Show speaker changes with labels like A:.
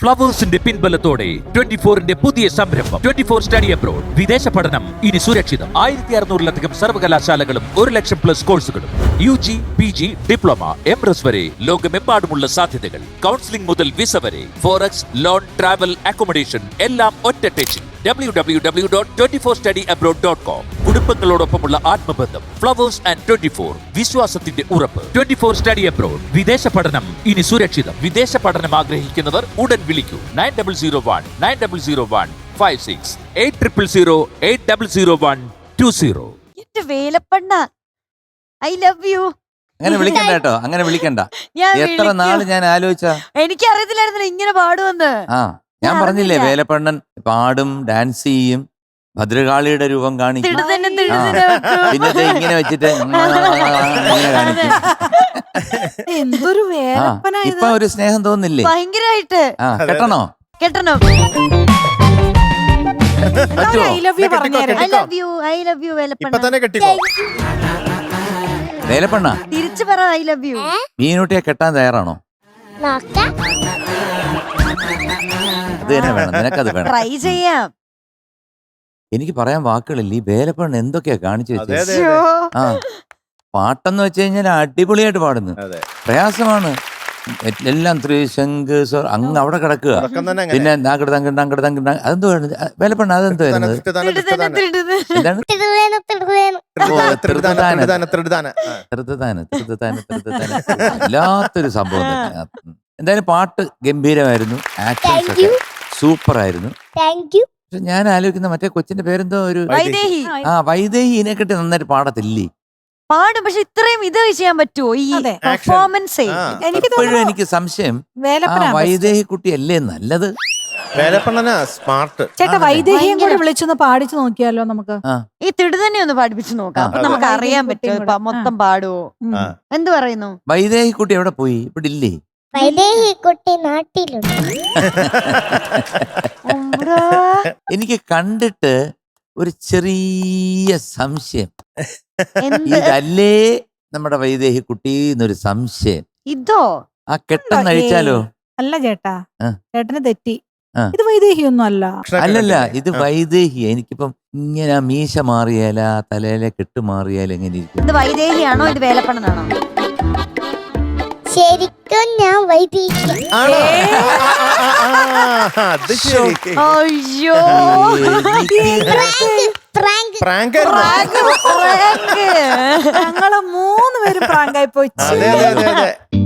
A: ഫ്ലവേഴ്സിന്റെ പിൻബലത്തോടെ 24-ന്റെ പുതിയ സംരംഭം 24 study abroad. വിദേശ പഠനം ഇനി സുരക്ഷിതം. 1600-ലധികം സർവകലാശാലകളും 1,00,000+ കോഴ്സുകളും. UG, PG, ഡിപ്ലോമ, MRS വരെ ലോകമെമ്പാടുമുള്ള സാധ്യതകൾ. കൗൺസിലിംഗ് മുതൽ വിസ വരെ. ഫോറക്സ്, ലോൺ, ട്രാവൽ, അക്കോമഡേഷൻ എല്ലാം ഒറ്റ ടെച്ചിൽ. www.24studyabroad.com. കുടുംബങ്ങളോടൊപ്പമുള്ള ആത്മബന്ധം. ഫ്ലവേഴ്സ് ആൻഡ് 24 വിശ്വാസത്തിന്റെ ഉറപ്പ്. 24 സ്റ്റഡി അബ്രോഡ്. വിദേശ പഠനം ഇനി സുരക്ഷിതം. വിദേശ പഠനം ആഗ്രഹിക്കുന്നവർ ഉടൻ വിളിക്കൂ 9001 800 800120.
B: എന്റെ വേലപ്പണ്ണ, ഐ ലവ് യു.
C: അങ്ങനെ വിളിക്കണ്ട കേട്ടോ, അങ്ങനെ വിളിക്കണ്ട. എത്ര നാള് ഞാൻ ആലോചിച്ച.
B: എനിക്കറിയത്തില്ലായിരുന്നില്ല ഇങ്ങനെ പാടുവന്ന്.
C: ഞാൻ പറഞ്ഞില്ലേ വേലപ്പണ്ണൻ പാടും, ഡാൻസ് ചെയ്യും, ഭദ്രകാളിയുടെ രൂപം കാണിക്കും. പിന്നെ ഇങ്ങനെ വെച്ചിട്ട് ഇങ്ങനെ കാണിക്കും.
D: എന്തൊരു വേലപ്പന.
C: ഇപ്പൊ ഒരു സ്നേഹം തോന്നില്ലേ?
B: ഭയങ്കരമായിട്ട്.
C: കെട്ടണോ?
B: കെട്ടണം.
D: ഐ ലവ് യു പറഞ്ഞേരം.
B: I love you, I love you വേലപ്പണ്ണ.
C: വേലപ്പണ്ണ
B: തിരിച്ചു പറ ഐ ലവ് യു.
C: മീനൂട്ടിയെ കെട്ടാൻ തയ്യാറാണോ? അത് തന്നെ വേണം, നിനക്കത് വേണം.
B: ട്രൈ ചെയ്യാം.
C: എനിക്ക് പറയാൻ വാക്കുകളില്ല. ഈ വേലപ്പണ്ണ എന്തൊക്കെയാ കാണിച്ചു വെച്ചത്. ആ പാട്ടെന്ന് വെച്ച് കഴിഞ്ഞാൽ അടിപൊളിയായിട്ട് പാടുന്നു. പ്രയാസമാണ് എല്ലാം. ത്രിശങ്ക് അങ്ങ് അവിടെ കിടക്കുക. പിന്നെ അതെന്തോ വേലപ്പണ്ണ, അതെന്തോ വല്ലാത്തൊരു സംഭവം തന്നെ. എന്തായാലും പാട്ട് ഗംഭീരമായിരുന്നു, ആക്ഷൻസ് ഒക്കെ സൂപ്പർ ആയിരുന്നു. പക്ഷെ ഞാൻ ആലോചിക്കുന്ന മറ്റേ കൊച്ചിന്റെ പേരെന്തോ ഒരു വൈദേഹി ഇതിനെക്കെട്ടി നന്നായിട്ട് പാടത്തില്ലേ?
B: പാടും, പക്ഷെ ഇത്രയും ഇത് ചെയ്യാൻ പറ്റുമോ ഈ പെർഫോമൻസ്?
C: എപ്പോഴും എനിക്ക് സംശയം വൈദേഹി കുട്ടി അല്ലേ നല്ലത്.
D: സ്മാർട്ട് ചേട്ടാ, വൈദേഹിയും കൂടി വിളിച്ചൊന്ന് പാടിച്ചു നോക്കിയാലോ നമുക്ക്?
B: ഈ തിടു തന്നെ ഒന്ന് പാടിപ്പിച്ചു നോക്കാം. അപ്പൊ നമുക്ക് അറിയാൻ പറ്റുമോ മൊത്തം പാടുവോ? എന്ത് പറയുന്നു?
C: വൈദേഹി കുട്ടി എവിടെ പോയി? ഇവിടെ ഇല്ലേ?
E: വൈദേഹി കുട്ടി നാട്ടിലുണ്ട്.
C: എനിക്ക് കണ്ടിട്ട് ഒരു ചെറിയ സംശയം, ഇതല്ലേ നമ്മുടെ വൈദേഹി കുട്ടി എന്നൊരു സംശയം.
B: ഇതോ?
C: ആ കെട്ടെന്ന് അഴിച്ചാലോ?
D: അല്ല ചേട്ടാ, ചേട്ടന് തെറ്റി. ഇത് വൈദേഹി ഒന്നും അല്ല.
C: അല്ലല്ല, ഇത് വൈദേഹി. എനിക്കിപ്പം ഇങ്ങനെ മീശ മാറിയാല, തലയിലെ കെട്ട് മാറിയാൽ എങ്ങനെ ഇരിക്കും?
B: ഇത് വൈദേഹിയാണോ ഇത് വേലപ്പണ്ണനാണോ?
E: ശരിക്കും ഞാൻ വൈദേഹി.
B: അയ്യോ,
D: ഞങ്ങള് 3 പേരും പ്രാങ്കായി പോയി.